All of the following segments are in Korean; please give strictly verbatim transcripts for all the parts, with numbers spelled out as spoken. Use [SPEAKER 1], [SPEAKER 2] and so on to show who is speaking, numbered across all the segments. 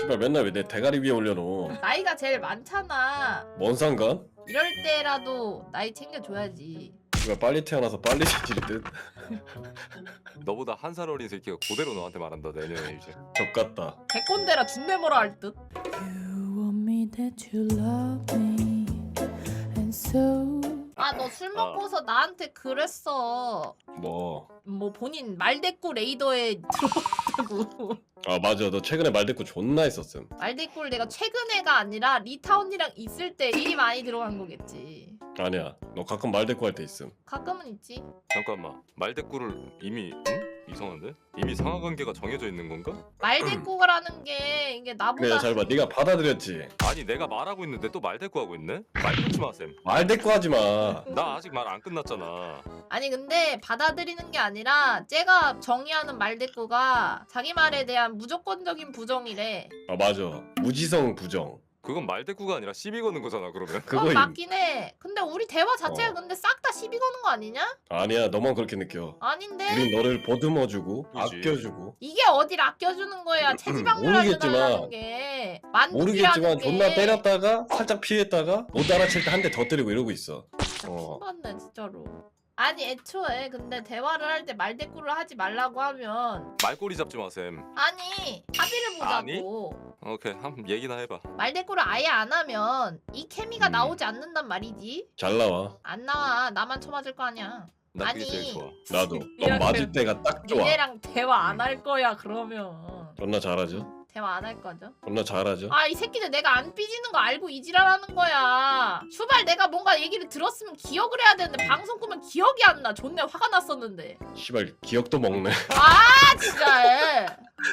[SPEAKER 1] 씨발 맨날 왜 내 대가리 위에 올려놓어.
[SPEAKER 2] 나이가 제일 많잖아.
[SPEAKER 1] 뭔 상관?
[SPEAKER 2] 이럴 때라도 나이 챙겨줘야지.
[SPEAKER 1] 씨발 빨리 태어나서 빨리 지질 듯.
[SPEAKER 3] 너보다 한 살 어린 새끼가 그대로 너한테 말한다 내년에 이제.
[SPEAKER 1] 족같다.
[SPEAKER 2] 개꼰대라 준내 뭐라 할 듯.
[SPEAKER 4] You want me that you love me, and so.
[SPEAKER 2] 아 너 술 먹고서 나한테 그랬어.
[SPEAKER 1] 뭐.
[SPEAKER 2] 뭐 본인 말대꾸 레이더에 들어갔다고.
[SPEAKER 1] 아 맞아. 너 최근에 말대꾸 존나 했었음.
[SPEAKER 2] 말대꾸를 내가 최근에가 아니라 리타 언니랑 있을 때 일이 많이 들어간 거겠지.
[SPEAKER 1] 아니야. 너 가끔 말대꾸 할 때 있음.
[SPEAKER 2] 가끔은 있지.
[SPEAKER 3] 잠깐만 말대꾸를 이미 응? 이상한데? 이미 상하관계가 정해져 있는 건가?
[SPEAKER 2] 말대꾸라는 게 이게 나보다
[SPEAKER 1] 그래 잘 봐. 네가 받아들였지.
[SPEAKER 3] 아니 내가 말하고 있는데 또 말대꾸 하고 있네? 말 끊지 마 쌤.
[SPEAKER 1] 말대꾸 하지 마.
[SPEAKER 3] 나 아직 말 안 끝났잖아.
[SPEAKER 2] 아니 근데 받아들이는 게 아니라 쟤가 정의하는 말대꾸가 자기 말에 대한 무조건적인 부정이래.
[SPEAKER 1] 아 맞아. 무지성 부정.
[SPEAKER 3] 그건 말대꾸가 아니라 시비 거는 거잖아 그러면.
[SPEAKER 2] 그건
[SPEAKER 1] 그거임.
[SPEAKER 2] 맞긴 해. 근데 우리 대화 자체가
[SPEAKER 1] 어.
[SPEAKER 2] 근데 싹 다 시비 거는 거 아니냐?
[SPEAKER 1] 아니야. 너만 그렇게 느껴.
[SPEAKER 2] 아닌데?
[SPEAKER 1] 우린 너를 보듬어주고
[SPEAKER 3] 그지.
[SPEAKER 1] 아껴주고.
[SPEAKER 2] 이게 어딜 아껴주는 거야. 체지방률하게
[SPEAKER 1] 모르겠지만-
[SPEAKER 2] 달라는 게. 만족이라는
[SPEAKER 1] 모르겠지만
[SPEAKER 2] 게.
[SPEAKER 1] 존나 때렸다가 살짝 피했다가 못 알아챌 때 한 대 더 때리고 이러고 있어.
[SPEAKER 2] 진짜
[SPEAKER 1] 어.
[SPEAKER 2] 킹받네 진짜로. 아니 애초에 근데 대화를 할 때 말대꾸를 하지 말라고 하면
[SPEAKER 3] 말꼬리 잡지 마 쌤.
[SPEAKER 2] 아니 합의를 보자고.
[SPEAKER 3] 오케이 한 얘기나 해봐.
[SPEAKER 2] 말대꾸를 아예 안 하면 이 케미가
[SPEAKER 1] 음.
[SPEAKER 2] 나오지 않는단 말이지.
[SPEAKER 1] 잘 나와.
[SPEAKER 2] 안 나와. 나만 쳐맞을 거 아니야.
[SPEAKER 3] 나 그게
[SPEAKER 2] 아니.
[SPEAKER 3] 제일 좋아.
[SPEAKER 1] 나도.
[SPEAKER 2] 이렇게
[SPEAKER 1] 넌 맞을 때가 딱 좋아.
[SPEAKER 2] 니네랑 대화 안 할 거야 그러면.
[SPEAKER 1] 존나 잘하죠.
[SPEAKER 2] 대화 안 할 거죠?
[SPEAKER 1] 존나 잘하죠.
[SPEAKER 2] 아 이 새끼들 내가 안 삐지는 거 알고 이지랄하는 거야. 슈발 내가 뭔가 얘기를 들었으면 기억을 해야 되는데 방송 끄면 기억이 안 나. 존내 화가 났었는데.
[SPEAKER 1] 씨발 기억도 먹네.
[SPEAKER 2] 아 진짜.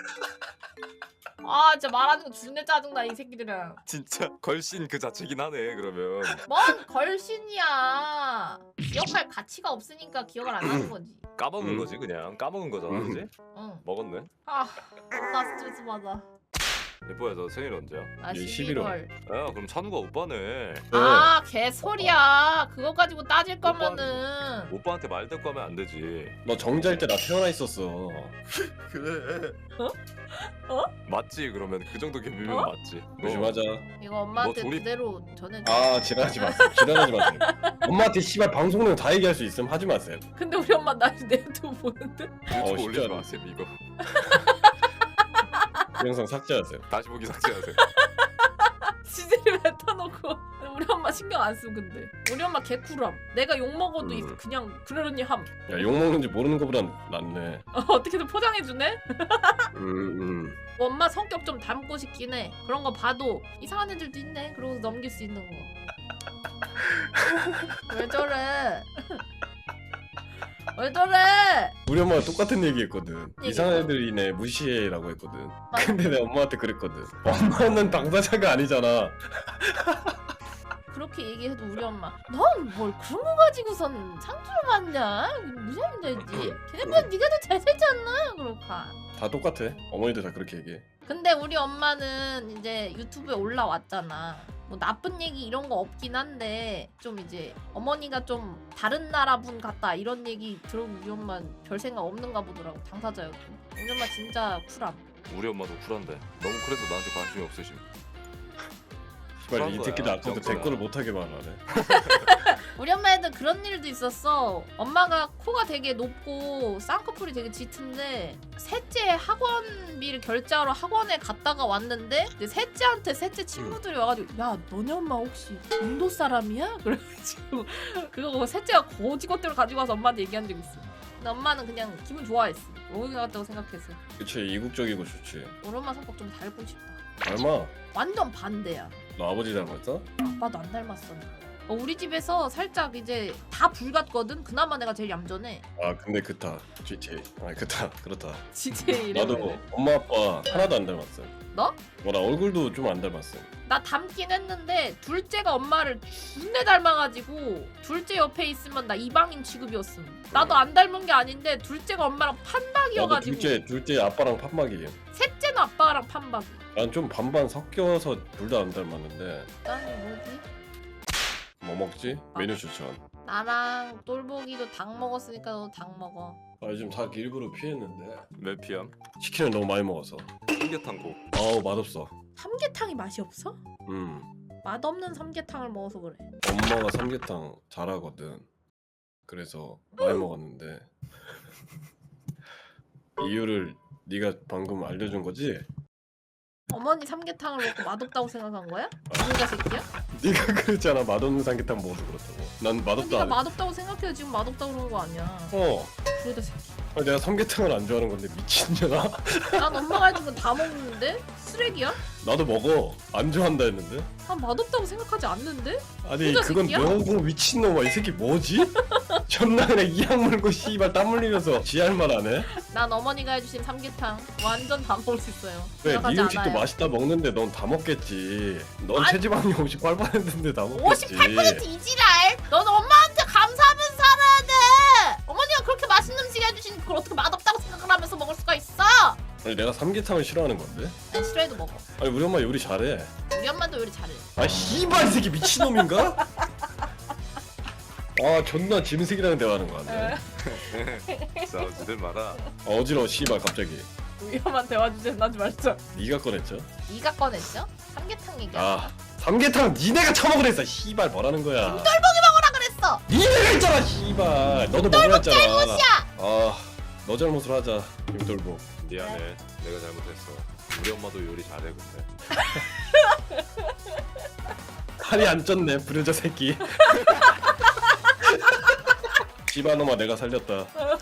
[SPEAKER 2] 아 진짜 말하는 거 존내 짜증나 이 새끼들은.
[SPEAKER 3] 진짜 걸신 그 자체긴 하네 그러면.
[SPEAKER 2] 뭔 걸신이야. 기억할 가치가 없으니까 기억을 안 하는 거지.
[SPEAKER 3] 까먹은
[SPEAKER 1] 음.
[SPEAKER 3] 거지 그냥. 까먹은 거잖아
[SPEAKER 1] 음.
[SPEAKER 3] 그지?
[SPEAKER 2] 응.
[SPEAKER 3] 먹었네.
[SPEAKER 2] 아, 나 스트레스 받아.
[SPEAKER 3] 예뻐야 너 생일 언제야?
[SPEAKER 2] 나
[SPEAKER 1] 이
[SPEAKER 2] 십일월.
[SPEAKER 3] 야 그럼 찬우가 오빠네.
[SPEAKER 2] 아, 개소리야. 그거 가지고 따질 거면은
[SPEAKER 3] 오빠한테 말대꾸 하면 안 되지.
[SPEAKER 1] 너 정자일 때 나 태어나 있었어.
[SPEAKER 3] 그래.
[SPEAKER 2] 어?
[SPEAKER 3] 맞지 그러면 그 정도 개비면
[SPEAKER 2] 어?
[SPEAKER 3] 맞지. 너
[SPEAKER 1] 조심하자.
[SPEAKER 2] 이거 엄마한테
[SPEAKER 3] 뭐 조립-
[SPEAKER 2] 그대로 전해.
[SPEAKER 1] 아 지랄하지 마세요. 지랄하지 마세요. 엄마한테 씨발 방송 내용 다 얘기할 수 있음 하지 마세요.
[SPEAKER 2] 근데 우리 엄마 나 내도 보는데.
[SPEAKER 3] 유튜브
[SPEAKER 1] 어,
[SPEAKER 3] 올리지
[SPEAKER 1] 쉽지 않아.
[SPEAKER 3] 마세요 이거.
[SPEAKER 1] 그 영상 삭제하세요.
[SPEAKER 3] 다시 보기 삭제하세요.
[SPEAKER 2] 지들이 뱉어놓고 우리 엄마 신경 안 쓰고 근데 우리 엄마 개쿨함. 내가 욕 먹어도 이-
[SPEAKER 1] 음.
[SPEAKER 2] 그냥 그러려니 함.
[SPEAKER 1] 야 욕 먹는지 모르는 거보단 낫네.
[SPEAKER 2] 어, 어떻게든 포장해주네.
[SPEAKER 1] 음 음.
[SPEAKER 2] 엄마 성격 좀 닮고 싶긴 해. 그런 거 봐도 이상한 애들도 있네. 그러고 넘길 수 있는 거. 왜 저래? 왜 저래?
[SPEAKER 1] 우리 엄마가 똑같은 얘기했거든.
[SPEAKER 2] 얘기했어?
[SPEAKER 1] 이상한 애들이네 무시해라고 했거든.
[SPEAKER 2] 맞아.
[SPEAKER 1] 근데 내 엄마한테 그랬거든. 엄마는 당사자가 아니잖아.
[SPEAKER 2] 그렇게 얘기해도 우리 엄마 넌 뭘 그런 거 가지고선 상처를 받냐? 무슨 문제지? 걔네보다 네가 더 잘 살지 않나? 그럴까.
[SPEAKER 1] 다 똑같아. 어머니들 다 그렇게 얘기해.
[SPEAKER 2] 근데 우리 엄마는 이제 유튜브에 올라왔잖아. 뭐 나쁜 얘기 이런 거 없긴 한데 좀 이제 어머니가 좀 다른 나라 분 같다 이런 얘기 들으면 우리 엄마 별 생각 없는가 보더라고. 당사자였고. 우리 엄마 진짜 쿨함.
[SPEAKER 3] 우리 엄마도 쿨한데 너무 그래서 나한테 관심이 없으심.
[SPEAKER 1] 씨발 이
[SPEAKER 3] 그런
[SPEAKER 1] 새끼들
[SPEAKER 3] 거야,
[SPEAKER 1] 아까부터
[SPEAKER 3] 정도야.
[SPEAKER 1] 댓글을 못하게 말하네.
[SPEAKER 2] 우리 엄마애들 그런 일도 있었어. 엄마가 코가 되게 높고 쌍꺼풀이 되게 짙은데 셋째 학원비를 결제하러 학원에 갔다가 왔는데 이제 셋째한테 셋째 친구들이 와가지고 야 너네 엄마 혹시 인도 사람이야? 그래가지고 그거 셋째가 거지것대로 가지고 와서 엄마한테 얘기한 적 있어. 근데 엄마는 그냥 기분 좋아했어. 오해 같다고 생각했어.
[SPEAKER 1] 그치 이국적이고 좋지.
[SPEAKER 2] 우리 엄마 성격 좀 닮고 싶다.
[SPEAKER 1] 닮아.
[SPEAKER 2] 완전 반대야.
[SPEAKER 1] 너 아버지 닮았어?
[SPEAKER 2] 아빠도 안 닮았어. 어, 우리 집에서 살짝 이제 다 불같거든. 그나마 내가 제일 얌전해.
[SPEAKER 1] 아 근데 그타 지티에이. 아 그타 그렇다.
[SPEAKER 2] 지제
[SPEAKER 1] 나도
[SPEAKER 2] 이름을.
[SPEAKER 1] 엄마 아빠 하나도 안 닮았어.
[SPEAKER 2] 너?
[SPEAKER 1] 뭐나 얼굴도 좀 안 닮았어.
[SPEAKER 2] 나 닮긴 했는데 둘째가 엄마를 준내 닮아가지고 둘째 옆에 있으면 나 이방인 취급이었음. 나도 안 닮은 게 아닌데 둘째가 엄마랑
[SPEAKER 1] 나도
[SPEAKER 2] 판박이어가지고
[SPEAKER 1] 둘째 둘째 아빠랑 판박이에요.
[SPEAKER 2] 셋째는 아빠랑 판박.
[SPEAKER 1] 난 좀 반반 섞여서 둘 다 안 닮았는데
[SPEAKER 2] 난 뭐지?
[SPEAKER 1] 뭐 먹지? 메뉴 추천.
[SPEAKER 2] 나랑 똘보기도 닭 먹었으니까 너도 닭 먹어.
[SPEAKER 1] 아 요즘 닭 일부러 피했는데
[SPEAKER 3] 몇 피암?
[SPEAKER 1] 치킨을 너무 많이 먹어서.
[SPEAKER 3] 삼계탕국.
[SPEAKER 1] 아우 맛없어.
[SPEAKER 2] 삼계탕이 맛이 없어?
[SPEAKER 1] 음
[SPEAKER 2] 맛없는 삼계탕을 먹어서 그래.
[SPEAKER 1] 엄마가 삼계탕 잘하거든. 그래서 많이 먹었는데 이유를 네가 방금 알려준 거지?
[SPEAKER 2] 어머니 삼계탕을 먹고 맛없다고 생각한 거야? 누가 새끼야?
[SPEAKER 1] 네가 그랬잖아 맛없는 삼계탕 먹어서 그렇다고. 난 맛없다
[SPEAKER 2] 네가
[SPEAKER 1] 안 했-
[SPEAKER 2] 맛없다고 생각해서 지금 맛없다고 그런 거 아니야.
[SPEAKER 1] 어
[SPEAKER 2] 그러다 새끼.
[SPEAKER 1] 아니, 내가 삼계탕을 안 좋아하는 건데 미친년아?
[SPEAKER 2] 난 엄마가 해준 건 다 먹는데? 쓰레기야?
[SPEAKER 1] 나도 먹어. 안 좋아한다 했는데?
[SPEAKER 2] 난 맛없다고 생각하지 않는데?
[SPEAKER 1] 아니
[SPEAKER 2] 혼자
[SPEAKER 1] 그건
[SPEAKER 2] 새끼야?
[SPEAKER 1] 너무 미친놈아. 이 새끼 뭐지? 존나 그냥 이악 물고 씨발 땀 흘리면서 지할 말 안 해?
[SPEAKER 2] 난 어머니가 해주신 삼계탕 완전 다 먹을 수 있어요.
[SPEAKER 1] 왜 네
[SPEAKER 2] 생각하지
[SPEAKER 1] 음식도
[SPEAKER 2] 않아요.
[SPEAKER 1] 맛있다 먹는데 넌 다 먹겠지. 넌
[SPEAKER 2] 아니-
[SPEAKER 1] 체지방이 오십팔 퍼센트인데 다 먹겠지.
[SPEAKER 2] 오십팔 퍼센트 이지랄! 넌 엄마한테 감사하면서 살아야 돼! 어머니가 그렇게 맛있는 음식 해주시니 그걸 어떻게 맛없다고 생각을 하면서 먹을 수가 있어!
[SPEAKER 1] 아니 내가 삼계탕을 싫어하는 건데?
[SPEAKER 2] 난 싫어해도 먹어.
[SPEAKER 1] 아니 우리 엄마 요리 잘해.
[SPEAKER 2] 우리 엄마도 요리 잘해.
[SPEAKER 1] 아 씨발 이 새끼 미친놈인가? 아 존나 짐승이랑 대화하는 거 같네.
[SPEAKER 3] 싸우지들 마라.
[SPEAKER 1] 아, 어지러워 씨발 갑자기.
[SPEAKER 2] 위험한 대화 주제는 하지 말자.
[SPEAKER 1] 네가 꺼냈죠?
[SPEAKER 2] 네가 꺼냈죠? 삼계탕 얘기야.
[SPEAKER 1] 아 삼계탕 니네가 처먹으랬어. 씨발 뭐라는 거야?
[SPEAKER 2] 김돌복이 먹으라 그랬어!
[SPEAKER 1] 니네가 있잖아 씨발. 너도 먹으라 했잖아. 아너 잘못을 하자 김돌복.
[SPEAKER 3] 미안해. 내가 잘못했어. 우리 엄마도 요리 잘해 근데.
[SPEAKER 1] 칼이 안 쪘네 불효자 새끼. 씨발 놈아 내가 살렸다.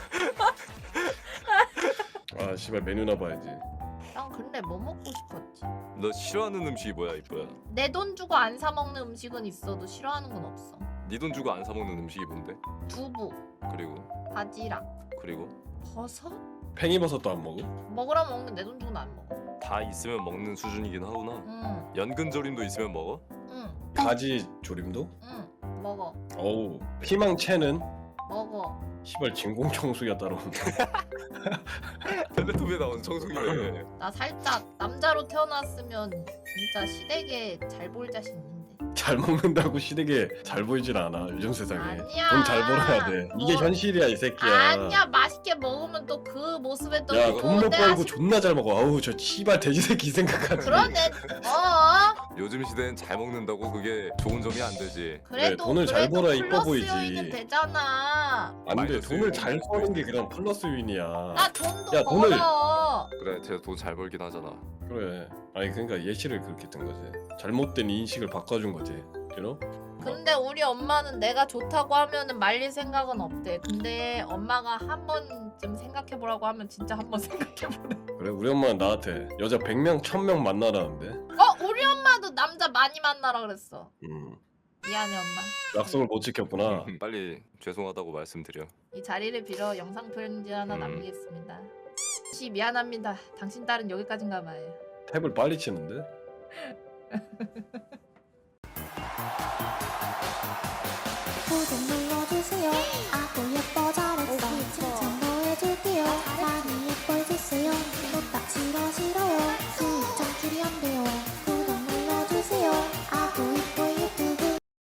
[SPEAKER 1] 아 씨발 메뉴나 봐야지.
[SPEAKER 2] 난 근데 뭐 먹고 싶었지?
[SPEAKER 3] 너 싫어하는 음식이 뭐야 이뻐야?
[SPEAKER 2] 내 돈 주고 안 사 먹는 음식은 있어도 싫어하는 건 없어.
[SPEAKER 3] 네 돈 주고 안 사 먹는 음식이 뭔데?
[SPEAKER 2] 두부,
[SPEAKER 3] 그리고
[SPEAKER 2] 바지락,
[SPEAKER 3] 그리고
[SPEAKER 2] 버섯?
[SPEAKER 1] 팽이버섯도 안 먹어?
[SPEAKER 2] 먹으라 먹는 내 돈 주고는 안 먹어.
[SPEAKER 3] 다 있으면 먹는 수준이긴 하구나.
[SPEAKER 2] 응,
[SPEAKER 3] 연근조림도 있으면 먹어?
[SPEAKER 2] 응,
[SPEAKER 1] 가지 조림도?
[SPEAKER 2] 응. 먹어,
[SPEAKER 1] 어우 피망채는?
[SPEAKER 2] 먹어.
[SPEAKER 1] 시발 진공청소기가 따로 온다.
[SPEAKER 3] 텔레토비에 나오는 청소기네.
[SPEAKER 2] 나 살짝 남자로 태어났으면 진짜 시댁에 잘 보일 자신 있는데.
[SPEAKER 1] 잘 먹는다고 시댁에 잘 보이질 않아 요즘 세상에.
[SPEAKER 2] 아니야.
[SPEAKER 1] 돈 잘 벌어야 돼. 이게
[SPEAKER 2] 뭐-
[SPEAKER 1] 현실이야 이 새끼야.
[SPEAKER 2] 아니야, 맛있게 먹으면 또 그 모습에 또
[SPEAKER 1] 야
[SPEAKER 2] 또
[SPEAKER 1] 돈 못
[SPEAKER 2] 내가
[SPEAKER 1] 벌고
[SPEAKER 2] 시-
[SPEAKER 1] 존나 잘 먹어. 아우 저 씨발 돼지 새끼 생각하지.
[SPEAKER 2] 그러네. 어.
[SPEAKER 3] 요즘 시대엔 잘 먹는다고 그게 좋은 점이 안 되지.
[SPEAKER 2] 그래도
[SPEAKER 1] 돈을 잘
[SPEAKER 2] 그래도
[SPEAKER 1] 벌어야 이뻐
[SPEAKER 2] 플러스
[SPEAKER 1] 보이지.
[SPEAKER 2] 요인은 되잖아.
[SPEAKER 1] 안돼
[SPEAKER 3] 마이너스
[SPEAKER 1] 돈을
[SPEAKER 3] 요인.
[SPEAKER 1] 잘 버는 게 그냥 플러스 요인이야.
[SPEAKER 2] 나 돈도
[SPEAKER 1] 야, 돈을-
[SPEAKER 2] 벌어.
[SPEAKER 3] 그래, 쟤 돈 잘 벌긴 하잖아.
[SPEAKER 1] 그래. 아니 그러니까 예시를 그렇게 든 거지. 잘못된 인식을 바꿔준 거지. You know?
[SPEAKER 2] 근데 우리 엄마는 내가 좋다고 하면은 말릴 생각은 없대. 근데 엄마가 한 번쯤 생각해 보라고 하면 진짜 한 번 생각해 보래.
[SPEAKER 1] 그래 우리 엄마는 나한테 여자 백 명 천 명 만나라는데.
[SPEAKER 2] 어, 우리 엄마도 남자 많이 만나라 그랬어.
[SPEAKER 1] 음.
[SPEAKER 2] 미안해 엄마.
[SPEAKER 1] 약속을 못 지켰구나.
[SPEAKER 3] 빨리 죄송하다고 말씀드려.
[SPEAKER 2] 이 자리를 빌어 영상 편지 하나
[SPEAKER 3] 음.
[SPEAKER 2] 남기겠습니다. 씨 미안합니다. 당신 딸은 여기까지인가 봐요.
[SPEAKER 1] 탭을 빨리 치는데?